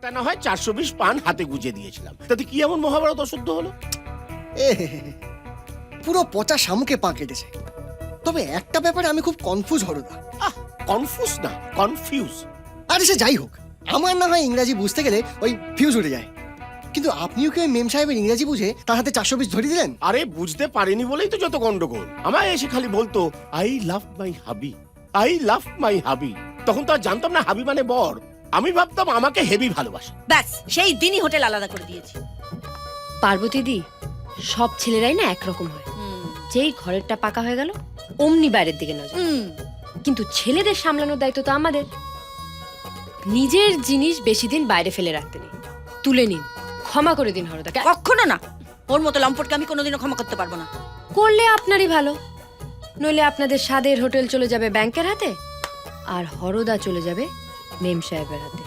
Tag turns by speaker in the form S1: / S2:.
S1: একটা না হয় 420 পান হাতে গুজে দিয়েছিলাম, তাতে কি এমন মহাভারত অশুদ্ধ হলো?
S2: এ পুরো পচা শামুকে পা কেটেছে। তবে একটা ব্যাপারে আমি খুব কনফিউজ হরদা।
S1: কনফিউজ না, কনফিউজ।
S2: আরে সে যাই হোক, আমার না হয় ইংরাজি বুঝতে গেলে ওই ফিউজ উঠে যায়, কিন্তু আপনিও কি ওই মেম সাহেবের ইংরাজি বুঝে তার হাতে 420 ধরিয়ে দিলেন?
S1: আরে বুঝতে পারিনি বলেই তো যত গন্ডগোল। আমায় এসে খালি বলতো আই লাভ মাই হাবি, আই লাভ মাই হাবি। তখন তো আর জানতাম না হাবি মানে বর। আমি ভাবতাম আমাকে হেভি ভালোবাসে।
S3: ব্যাস সেই দিনই হোটেল আলাদা করে দিয়েছি।
S4: পার্বতী দি, সব ছেলেরাই না একরকম হয়। যেই ঘরেরটা পাকা হয়ে গেল অমনি বাইরের দিকে নজর। কিন্তু ছেলেদের সামলানোর দায়িত্ব তো আমাদের। নিজের জিনিস বেশি দিন বাইরে ফেলে রাখতে নেই, তুলে নিন, ক্ষমা করে দিন হরদাকে।
S3: কখনো না, ওর মতো লম্পটকে আমি কোনোদিনও ক্ষমা করতে পারবো না।
S4: করলে আপনারই ভালো, নইলে আপনাদের স্বাদের হোটেল চলে যাবে ব্যাংকের হাতে, আর হরদা চলে যাবে মেম সাহেবের হাতে।